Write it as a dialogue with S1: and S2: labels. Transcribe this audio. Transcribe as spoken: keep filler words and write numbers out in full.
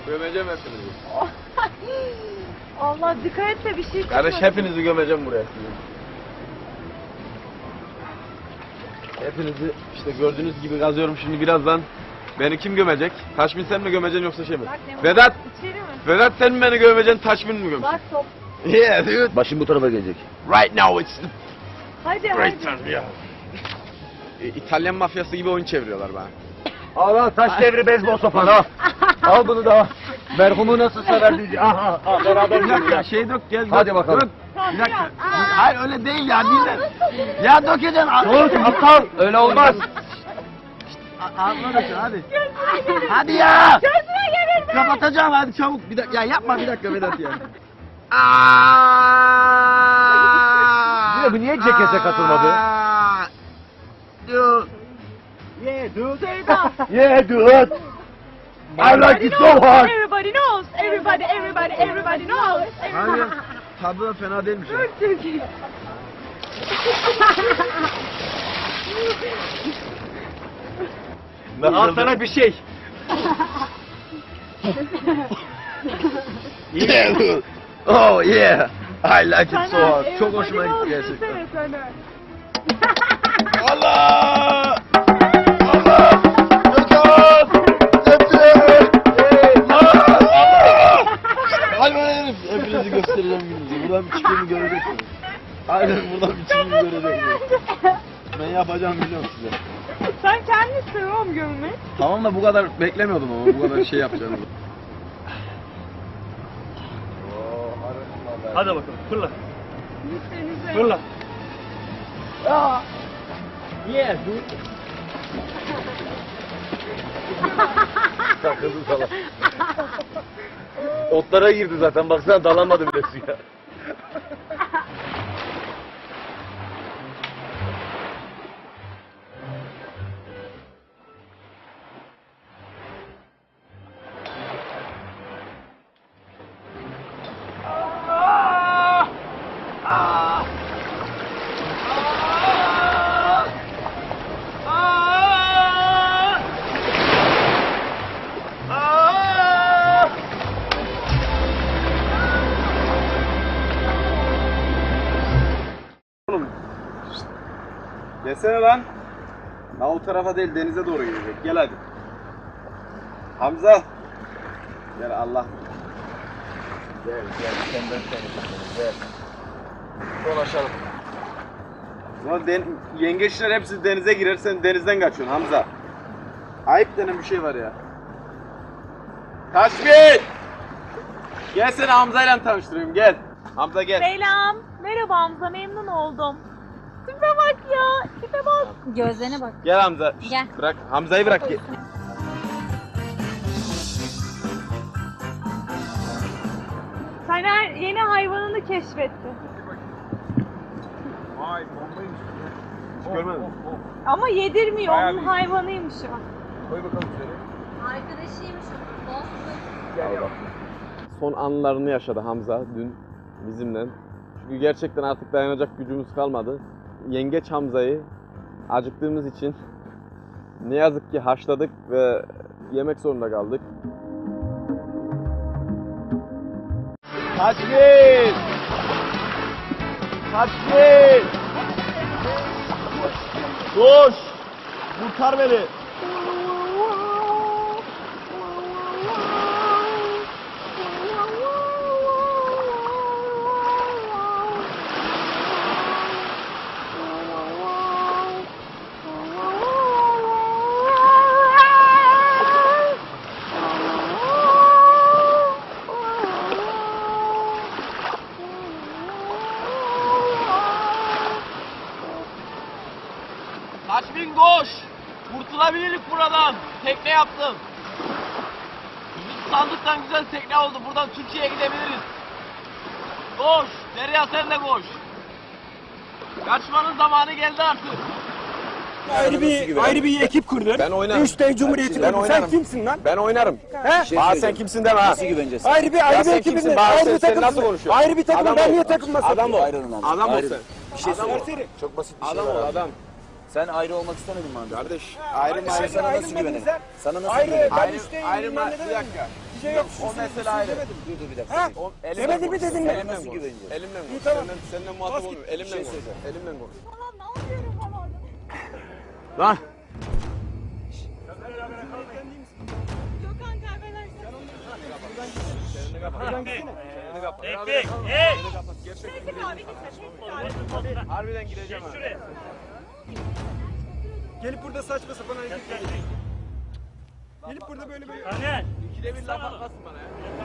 S1: Gömeceğim hepinizi.
S2: Allah dikkat et de bir şey çıkmasın.
S1: Kardeş hepinizi gömeceğim buraya. Hepinizi işte gördüğünüz gibi kazıyorum şimdi birazdan. Beni kim gömecek? Taşmin sen mi gömeceksin yoksa şey mi? Vedat!
S2: İçeri mi?
S1: Vedat sen mi beni gömeceksin, Taşmin mi gömeceksin?
S2: Bak top.
S1: Yeah dude.
S3: Başım bu tarafa gelecek.
S1: Right now it's the
S2: Hadi
S1: great
S2: hadi.
S1: time yeah. E, İtalyan mafyası gibi oyun çeviriyorlar bana.
S3: Al al taş devri beyzbol sopan al. Al bunu da. Merhumu nasıl sever diye. Aha, aha beraber
S1: Bir dakika
S3: gidelim.
S1: şey dök gel.
S3: Hadi
S1: dök,
S3: bakalım.
S1: Dök. Bir dakika. Hayır öyle değil ya dinle. Ya dökeceksin.
S3: Dur aptal öyle olmaz.
S1: Ağzına dök hadi. Hadi ya.
S2: Gözüme gelir mi?
S1: Kapatacağım hadi çabuk. Bir dakika ya yapma bir dakika Vedat ya. Aaaa.
S3: Yine bu niye cekete katılmadı?
S1: Dude.
S3: Yeah dude.
S2: Sevda.
S3: Yeah dude. I like it so hard.
S2: Everybody knows. Everybody, everybody, everybody knows.
S1: Hayır. Tadı da fena değilmiş ya.
S2: Çok iyi.
S3: Al sana bir şey.
S1: Yeah dude. Oh yeah. I like it so hard. Çok hoşuma gitti gerçekten. Allah! Allah! Gökhan! Gökhan! Allah! Hayvan herif! Hepinizi göstereceğim gününüzü. Buradan bir çıkımı göreceksiniz. Aynen buradan bir çıkımı göreceksiniz. Ben yapacağım biliyorum size.
S2: Sen kendini seviyorum gömmeyi.
S1: Tamam da bu kadar beklemiyordum ama bu kadar şey yapacağını.
S3: Hadi bakalım fırla.
S2: Lütfenize.
S3: Fırla.
S2: Aa.
S3: Yeah dude.
S1: Takıldı salak. Otlara girdi zaten baksana dalamadı bile suya. Desene lan. Daha o tarafa değil denize doğru gidecek. Gel hadi. Hamza. Gel Allah. Gel gel senden seni gel. Dolaşalım. Sonra den yengeçler hepsi denize girer sen denizden kaçıyorsun Hamza. Ayıp denen bir şey var ya. Taşmin! Gel seni Hamza'yla tanıştırayım gel. Hamza gel.
S2: Selam. Merhaba Hamza, memnun oldum. Tipe bak ya, tipe bak. Gözlerine bak.
S1: Gel Hamza. Şşt,
S2: Gel.
S1: Bırak Hamza'yı bırak. Gel.
S2: Taner yeni hayvanını keşfetti.
S1: Vay bombaymış. Hiç görmedim.
S2: Ama yedirmiyor,
S1: Bayağı
S2: onun
S1: büyük.
S2: hayvanıymış o.
S1: Koy bakalım şöyle.
S2: Arkadaşıymış o.
S1: Gel bak. Son anlarını yaşadı Hamza dün bizimle. Çünkü gerçekten artık dayanacak gücümüz kalmadı. Yengeç Hamza'yı acıktığımız için ne yazık ki haşladık ve yemek zorunda kaldık. Taşmin! Taşmin! Koş! Kurtar beni! Taşmin koş! Kurtulabilirlik buradan. Tekne yaptım. Bizim sandıktan güzel tekne oldu. Buradan Türkiye'ye gidebiliriz. Koş! Derya sen de koş. Kaçmanın zamanı geldi artık.
S4: Ayrı bir ayrı bir ekip kurdun.
S1: Ben oynarım.
S4: Üç dev cumhuriyeti
S1: Ben
S4: kurdun. Sen
S1: oynarım.
S4: kimsin lan?
S1: Ben oynarım.
S4: He?
S1: Aa sen kimsin deme ha.
S3: Nasıl güveneceğiz?
S4: Ayrı bir
S1: Ya
S4: ayrı bir
S1: sen
S4: ekibin.
S1: kimsin? Bana
S4: Ayrı
S1: sen-
S4: bir
S1: sen
S4: takım.
S1: nasıl konuşuyorsun?
S4: Ayrı bir takım.
S1: Adam
S4: Ben
S1: ol.
S4: niye takılmasın?
S1: Adam ol.
S3: Ayrılın lan.
S1: Adam ol
S3: Ayrılın.
S1: sen.
S3: Bir şey
S1: Adam ol.
S3: söyle. Çok basit bir şey
S1: Adam
S3: var
S1: ol
S3: abi.
S1: adam.
S3: Sen ayrı olmak istemedin mi abi?
S1: Kardeş ayrı
S4: Sen
S1: ayrı
S3: sana
S4: ayrı
S3: nasıl
S4: dedin
S3: güvenelim?
S4: sen.
S3: Sana nasıl
S4: Ayrı.
S3: güvenelim?
S4: Ben
S1: ayrı
S4: işte
S1: ayrı
S4: bilmem ne
S1: bir
S4: dedim.
S1: dakika.
S4: Bir şey yok.
S1: O mesele ayrı.
S3: Dur dur bir dakika.
S4: Ha?
S1: O,
S4: Demedi mi dedin mi?
S1: Elimden
S3: Nasıl
S1: konuş.
S3: güveneceğiz?
S1: Elimden konuş.
S4: İyi, tamam.
S1: Senden, senden muhatap
S4: Bas git.
S1: olmuyorum.
S4: Bir
S1: Elimden
S4: şey
S1: konuş.
S4: söyle.
S1: Elimden konuş.
S2: Falan ne yapıyorum falan.
S1: Lan.
S2: Gökhan kaybedersin.
S1: Çeneni kapat.
S4: Buradan gitsene.
S1: Çeneni kapat.
S5: Hey, hey!
S1: Çeneni kapat. Gerçekten
S2: Peki abi gitsin. Peki abi.
S1: harbiden gireceğim ha.
S5: Şuraya.
S4: Gelip burada saçma sapan hareket ediyor. Gelip burada böyle böyle.
S5: Taner.
S1: İkide bir laf atmasın bana ya.